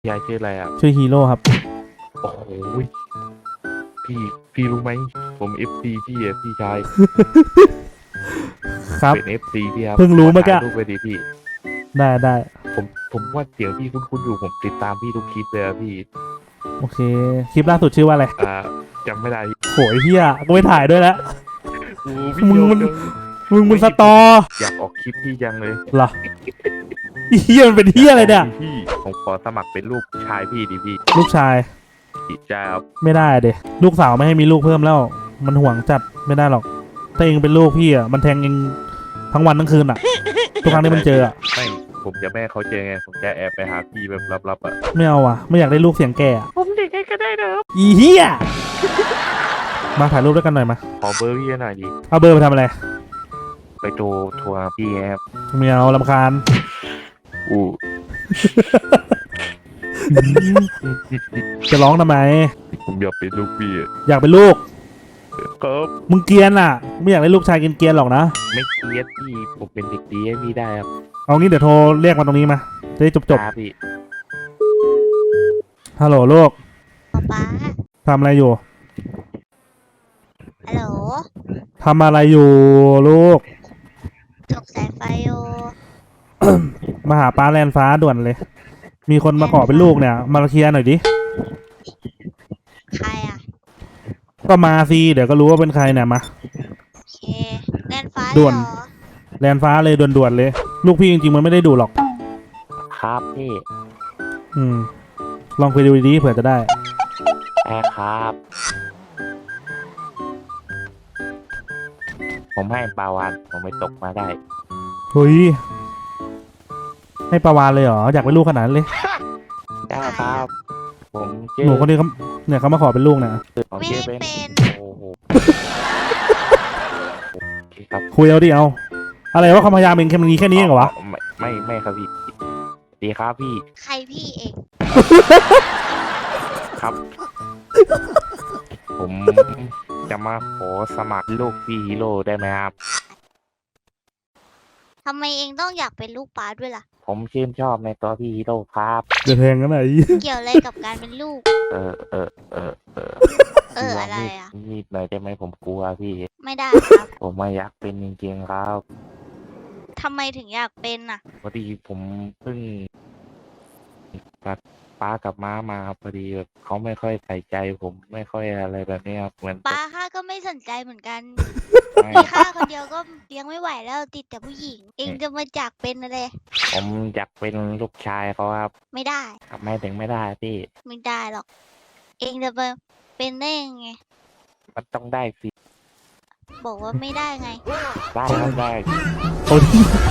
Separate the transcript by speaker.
Speaker 1: ยายชื่ออะไรอ่ะ
Speaker 2: ชื่อฮีโร่ครับ
Speaker 1: โอ้โหพี่พี่รู้ไหมผมเอฟซีพี่อ่ะพี่ชาย
Speaker 2: ครับ
Speaker 1: เป็นเอฟซีพี่ครับ
Speaker 2: เพิ่งรู้เมื่อกี้
Speaker 1: ถ่ายรูปไปดิพี่
Speaker 2: ได้
Speaker 1: ผมว่าเสียงพี่คุ้นๆอยู่ผมติดตามพี่ทุกคลิปเลยอะพี่
Speaker 2: โอเคคลิปล่าสุดชื่อว่าอะไร
Speaker 1: จำไม่ได้พี่
Speaker 2: โหยเฮียก็ไม่ถ่ายด้วยแล้ว
Speaker 1: โอ้พี่
Speaker 2: มึงมัน
Speaker 1: โยง
Speaker 2: มึงสตอ
Speaker 1: อยากออกคลิปพี่จังเลย
Speaker 2: เหรอเฮียมันเป็นเฮียอะไรเนี่ย
Speaker 1: พี่ผมขอสมัครเป็นลูกชายพี่ดิพี่
Speaker 2: ลูกชาย
Speaker 1: จะเอา
Speaker 2: ไม่ได้เดลูกสาวไม่ให้มีลูกเพิ่มแล้วมันห่วงจัดไม่ได้หรอกถ้าเองเป็นลูกพี่อ่ะมันแทงเองทั้งวันทั้งคืนอ่ะทุกครั้งที่มันเจออ่ะ
Speaker 1: ไม่ผมจะแม่เขาเจอไงผมจะแอบไปหาพี่แบบลับๆอ่ะ
Speaker 2: ไม่เอาอ่ะไม่อยากได้ลูกเสียงแก่อะ
Speaker 1: ผมเด็กให้ก็ได้นะครับ
Speaker 2: อีเฮียมาถ่ายรูปด้วยกันหน่อยมา
Speaker 1: ขอเบอร์พี่หน่อยดิ
Speaker 2: เอาเบอร์ไปทำอะไร
Speaker 1: ไปโทรทัวร์พี่ครับ
Speaker 2: ไม่เอารำคาญ
Speaker 1: อู้
Speaker 2: จะร้องทำไม
Speaker 1: ผมอยากเป็นลูกพี่อะ
Speaker 2: อยากเป็นลูก
Speaker 1: ครับ
Speaker 2: มึงเกรียนอ่ะไม่อยากได้ลูกชายเกรียนๆหรอกนะ
Speaker 1: ไม่เกลียดพี่ผมเป็นเด็กดีให้พี่ได้ครับ
Speaker 2: เอางี้เดี๋ยวโทรเรียกมาตรงนี้มาจะได้จบ
Speaker 1: พี่
Speaker 2: ฮัลโหลลูก
Speaker 3: ป๊า
Speaker 2: ทำอะไรอยู่
Speaker 3: ฮัลโหล
Speaker 2: ทำอะไรอยู่ลูก
Speaker 3: จกสายไฟโย
Speaker 2: มาหาป้าแลนฟ้าด่วนเลยมีคนมาขอเป็นลูกเนี่ยมาเคลียร์หน่อยดิ
Speaker 3: ใครอ่ะ
Speaker 2: ก็มาสิเดี๋ยวก็รู้ว่าเป็นใครเนี่ยมา
Speaker 3: โอเคแลนฟ้า
Speaker 2: ด่วน
Speaker 3: เหรอ
Speaker 2: แลนฟ้าเลยด่วนๆเลยลูกพี่จริงๆมันไม่ได้ดูหรอก
Speaker 1: ครับพี่
Speaker 2: ลองคุยดูดีๆเผื่อจะได้
Speaker 1: แม่ครับผมให้ปลาวานผมไม่ตกมาได้
Speaker 2: เฮ้ยให้ประวานเลยเหรออยากเป็นลูกขนาดนั้นเลย
Speaker 1: ได้ครับผม
Speaker 2: หนูคนนี้เขาเนี่ยเขามาขอเป็นลูกเนี่ย
Speaker 3: ไม่ให้เป็น
Speaker 1: โอ้โห
Speaker 2: คุยเอาดิเอาอะไรว่าความพยายามเองแค่นี้แค่นี้เองเหรอวะ
Speaker 1: ไม่ครับพี่ดีครับพี่
Speaker 3: ใครพี่เอง
Speaker 1: ครับผมจะมาขอสมัครลูกพี่ฮีโร่ได้ไหมครับ
Speaker 3: ทำไมเองต้องอยากเป็นลูกป๊าด้วยล่ะ
Speaker 1: ผมชื่นชอบในตัวพี่ฮีโร่ครับ
Speaker 2: จะแทงกันไหน
Speaker 3: เกี่ยวอะไรกับการเป็นลูกอะไรอ่ะ
Speaker 1: นิดหน่อยได้ไหมผมกลัวพี่
Speaker 3: ไม่ได้ครับ
Speaker 1: ผมไม่อยากเป็นจริงๆครับ
Speaker 3: ทำไมถึงอยากเป็นอ่ะ
Speaker 1: พอดีผมเพิ่งกับป้ากับม้ามาพอดีแบบเขาไม่ค่อยใส่ใจผมไม่ค่อยอะไรแบบนี้ครับเหมือน
Speaker 3: ป้าข้าก็ไม่สนใจเหมือนกัน
Speaker 1: ไม่
Speaker 3: มีข้าคนเดียวก็เลี้ยงไม่ไหวแล้วติดแต่ผู้หญิงเองจะมาจากเป็นอะไร
Speaker 1: ผมอยากเป็นลูกชายเขาครับ
Speaker 3: ไม่ได้
Speaker 1: ทำไมถึงไม่ได้พี่
Speaker 3: ไม่ได้หรอกเองจะมาเป็นได้ยังไง
Speaker 1: มันต้องได้สิ
Speaker 3: บอกว่าไม่ได้ไง
Speaker 1: ได้ครับได้
Speaker 2: โอ้